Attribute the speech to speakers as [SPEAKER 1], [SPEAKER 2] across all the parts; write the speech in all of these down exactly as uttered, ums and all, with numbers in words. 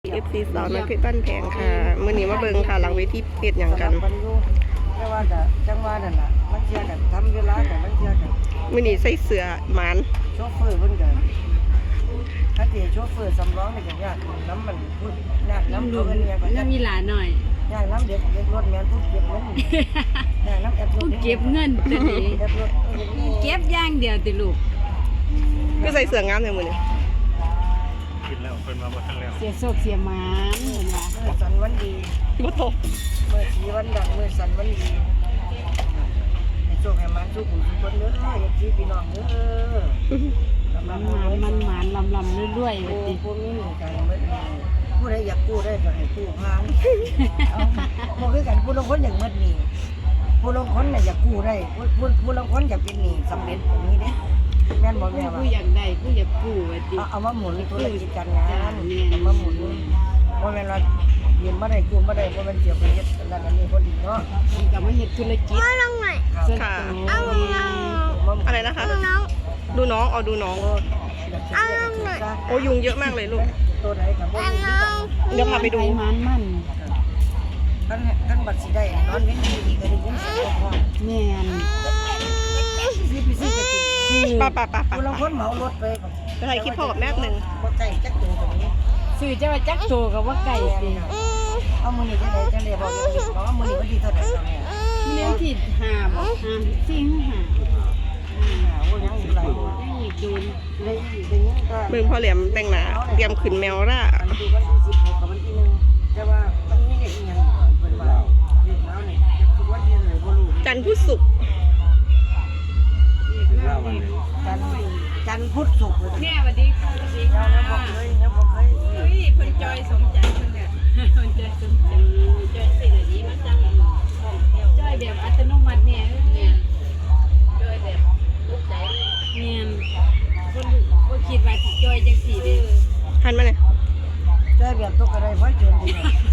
[SPEAKER 1] เอฟซีสาวน้อยเพชรบ้านแพงค่ะมื้อนี้มาเบิ่งค่ะหลังเวทีเพชรหยังกัน
[SPEAKER 2] แต่ว่าก็จังหวะนั่นล่ะมันเชื่อกันทำเวลากันมันเชื่อกัน
[SPEAKER 1] มื้อนี้ใส่เสื้อหมาน
[SPEAKER 2] โชเฟอร์เพิ่นก็ถ้าสิโชเฟอร์สำรองนี่ก็ยากน้ำมันพูดยากน้ำเขาเอิ้นหยังก็ยาก
[SPEAKER 3] มีหลานหน่อย
[SPEAKER 2] ยากน้ำเด็กเด็กรถแม่นผู้เก็บเงินยากน้ำแอปรถ
[SPEAKER 3] เก็บเงินตะนี้
[SPEAKER 2] แอปรถ
[SPEAKER 3] เก็บอย่างเดียวติลูก
[SPEAKER 1] คือใส่เสื้องามแท้มื้อนี้
[SPEAKER 4] กินแล้วเพิ่นมาบ่ทันแล้ว
[SPEAKER 3] เสียโศกเสียหมานเห็นว่า
[SPEAKER 2] เมื่อสันวันดี
[SPEAKER 1] บ่ตก
[SPEAKER 2] เมื่อสีวันดังเมื่อสันวันดีให้โชคให้มันสู้ผู้ทุกคนเด้อเอฟซีพี่น้องเด้อ
[SPEAKER 3] มันหมานมันหมานลำลำเรื่อยๆว่าติ
[SPEAKER 2] พวกนี้กันเบิดผู้ใดอยากกู้ได้ก็ให้กู้พานบ่คือกันผู้ลางคนอยากเบิดหนี้ผู้ลางคนน่ะอยากกู้ได้ผู้ผู้ผู้ลางคนอยากเป็นหนี้สำเร็จแบบนี้เด้แม่นบ่แม่ว่า
[SPEAKER 3] ผู้อยากได้ผู้อยากกู้ว่าติ
[SPEAKER 2] เอามาหมุนธุรกิจการงานเอามาหมุนบ่แม่นว่ายืมมาได้กู้มาได้บ่แม่นเสียไปเฮ็ดนั่นอันนี้บ่ดีเนาะ
[SPEAKER 3] มันก็มาเฮ็ดธุรกิจ
[SPEAKER 1] ลงหน่อยค่ะอะไรนะคะดูน้องเอาดูน้องโอ้ยุงเยอะมากเลยลูก
[SPEAKER 2] ตัวไหนก็บ่ดี
[SPEAKER 1] เดี๋ยวพาไปดู
[SPEAKER 3] มันมัน
[SPEAKER 2] คันคันบัดสิได้นอนเว้นดีก็ได้ยินเสียงพ่อ
[SPEAKER 3] แม่น
[SPEAKER 2] สิไปซื้อก็กิน
[SPEAKER 1] ป้าป้าป้าป้า
[SPEAKER 2] ผู้ลางคนเหมารถไปก็
[SPEAKER 1] ไปถ่ายคลิปพ่อกับแม่นึง
[SPEAKER 2] บ่ใกล้จักตัวตรงนี้
[SPEAKER 3] ซื้อจะว่าจักโตก็ว่าไก่ติ
[SPEAKER 2] เอามื้อนี้จังได๋จังได๋บอกอยู่บอกว่ามื้อนี้วันที่เท่าใดจ้ะแม่
[SPEAKER 3] เลี้ยงที่ห้าบ่ห้าสี่ห้า
[SPEAKER 2] โอ้ยังอยู่หลายบ่
[SPEAKER 3] ยังอีกโดน
[SPEAKER 2] ได้ได้ยินก็
[SPEAKER 1] เบิ่งพ่อเหลี่ยมแต่งหน้าเตรียมขึ้นแมวล่ะ
[SPEAKER 2] อันดูวันที่สิบหกกับวันที่หนึ่งแต่ว่ามันมีเด็กอีหยังเพิ่นว่าเด็กแล้วนี่ทุกวันที่เลยบ่รู้
[SPEAKER 1] จันทร์พุธศุกร์
[SPEAKER 2] จันจันพุธศุกร์
[SPEAKER 3] แม่สวัสดีค่ะสวัสดีค่ะ
[SPEAKER 2] ยังบ่เคยยังบ่เคย
[SPEAKER 3] เฮ้ยเพิ่นจอยสมใจเพิ่นเนี่ยเพิ่นจอยสมใจจอยสิได้ดีมาจังจอยแบบอัตโนมัติแม่แม่จอยแบบลูกใจแม่นคนบ่คิดว่าสิจอยจังซี่เด้อ
[SPEAKER 1] หันมาเลย
[SPEAKER 2] ใจแบบตกอะไรพอเจนดี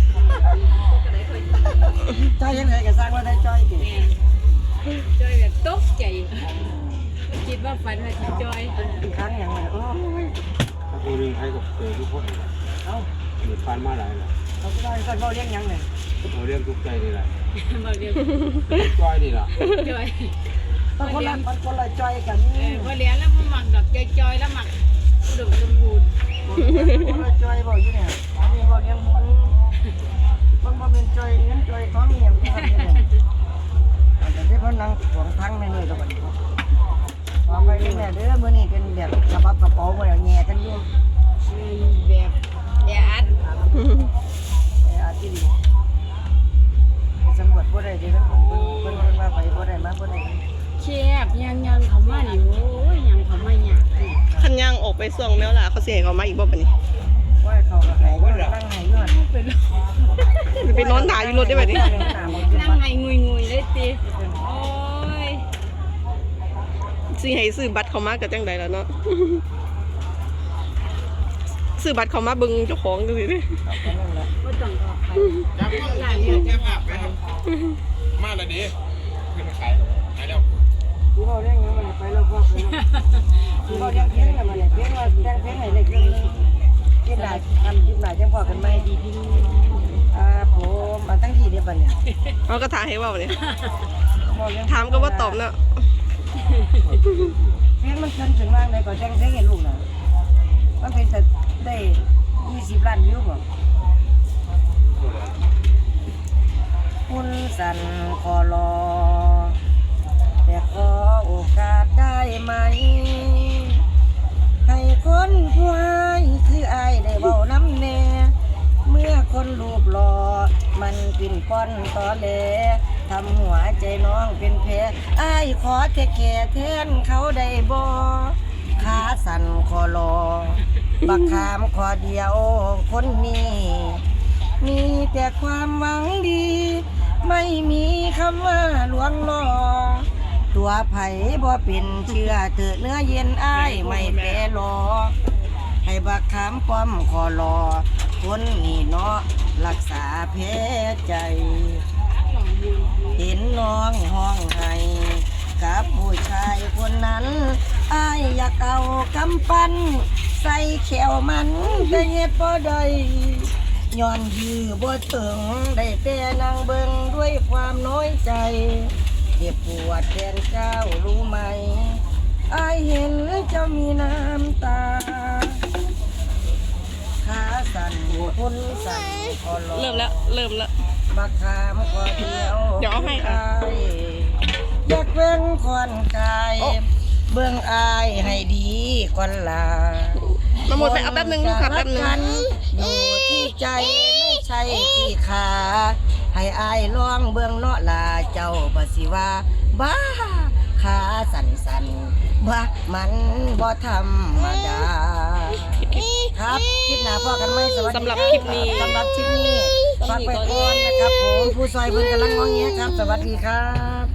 [SPEAKER 2] ใจยังไงก็สร้างว่าได้จอยดิ
[SPEAKER 3] จอยแบบตกใจบ่คิดว่าฝันว่าสิจอย
[SPEAKER 2] อีกครั้งอย่างไรโอ้ย
[SPEAKER 4] ผู้นึงให้กับเจอทุกคน
[SPEAKER 2] เอ้า
[SPEAKER 4] เหมือนฟันมาหลายแล้ว
[SPEAKER 2] เขาก็ได้ก็บ่เลี้ยงยังนี่
[SPEAKER 4] เราเรื่องทุกใจนี่แหละ
[SPEAKER 3] บ่เรียก
[SPEAKER 4] จอยนี่ล่ะ
[SPEAKER 3] จอย
[SPEAKER 2] บางคนละบางคนละจอยกัน
[SPEAKER 3] เออบ่เลี้ยงแล้วบ่มักดอกจอยๆแล้วมักอุดมสมบูรณ์
[SPEAKER 2] คนละจอยบ่อยู่เนี่ยอันนี้บ่เลี้ยงหมูมันบ่เป็นจอยเงินจอยของอีหยังพวกนี้แต่ที่เพิ่นนั่งขวางทางในเลยตะบัดขอไปนี่แม่เด้อมื้อนี้เป็นแบบกระปับกระเป๋าบ่แล้วแง่กันอยู่
[SPEAKER 3] แบบแออัด
[SPEAKER 2] แออัดที่ดีสำรวจบ่ได้เด้อเพิ่นเพิ่นเพิ่นว่าไปบ่ได้มาบ่ได้
[SPEAKER 3] แคบยังๆเข้ามานี่โอ้ยยังเข้ามายาก
[SPEAKER 1] คันย่างออกไปส่วงแมวล่ะเขาสิให้เขามาอีกบ่บัดนี้
[SPEAKER 2] ว่าเขาก็ให้นั่งให้อยู่หั่น
[SPEAKER 3] เป็น
[SPEAKER 1] ไปนอนถ่ายอยู่รถได้บัดนี้
[SPEAKER 3] นั่งให้งุยๆเลยติโอ้ย
[SPEAKER 1] สิให้ซื้อบัตรเขามาก็จังได๋ล่ะเนาะซื้อบัตรเขามาเบิ่งเจ้าของจังซี่เด้
[SPEAKER 3] บ่ต้องออกไป
[SPEAKER 4] จับร้านนี้แก้ภาพไปมาแล้วดิขึ้นขายขายแล้ว
[SPEAKER 2] ที่เฮาเลี้ยงยังมันไปแล้วพอไปที่เฮาเลี้ยงเพียงน่ะมันเพียงว่าแต่งเพียงให้ได้คือกินได้ทำกินได้จังพอกันใหม่ดีพี่อ่าผมมาตั้งที่เด้บัดนี้
[SPEAKER 1] เอาก็ถ่ายให้เว้านี่ถามก็บ่ตอบเนาะ
[SPEAKER 2] เพียงมันเกินถึงว่างได้ก็แต่งเพียงให้ลูกน่ะมันเป็นแต่ได้ยี่สิบล้านวิวบ่คุณสันขอรอแต่ขอโอกาสได้ไหมให้คนผู้ให้คืออายได้เว้าน้ำแน่เมื่อคนรูปหล่อมันปิ่นป้อนตอแหลทำหัวใจน้องเป็นแผลอายขอแค่แค่แทนเขาได้บ่ขาสั่นขอรอบักขามขอเดียวคนนี้มีแต่ความหวังดีไม่มีคำว่าลวงล่อตัวไผ่บ่เป็นเชื่อเถิดเนื้อเย็นอ้ายไม่แปรรอให้บักขามป้อมขอรอคนนี้เนาะรักษาแผลใจเห็นน้องห้องไห้กับผู้ชายคนนั้นอ้ายอยากเอากำปั้นใส่แขวมันแต่เฮ็ดบ่ได้ย้อนยื้อบ่ถึงได้แต่นั่งเบิ่งด้วยความน้อยใจเจ็บปวดแทนเจ้ารู้ไหมอายเห็นเจ้ามีน้ำตาขาสั่นคนสั่นคอร้อง
[SPEAKER 1] เริ่มแล้วเริ่มแล้ว
[SPEAKER 2] บักขามขอเดียว
[SPEAKER 1] เดี๋ยวเอาให้ค่ะ
[SPEAKER 2] อยากเว้นควันกาย
[SPEAKER 1] โอ้
[SPEAKER 2] เบื้องอายให้ดีก่อนลา
[SPEAKER 1] มาหมดไปเอาแป๊บนึงลูกค่ะแป๊บนึง
[SPEAKER 2] คนจะรักกันอยู่ที่ใจไม่ใช่ที่ขาให้อายลองเบื้องเนาะลาเจ้าบสิว่าบ้าขาสั่นสั่นบ้ามันบ่ธรรมดาครับคลิปหน้าพ่อกันไหมสวัสดี
[SPEAKER 1] สำหรับคลิปนี้
[SPEAKER 2] สำหรับคลิปนี้ฝากไปก่อนนะครับผมผู้ซอยเพิ่นกำลังงอแงครับ สวัสดีครับ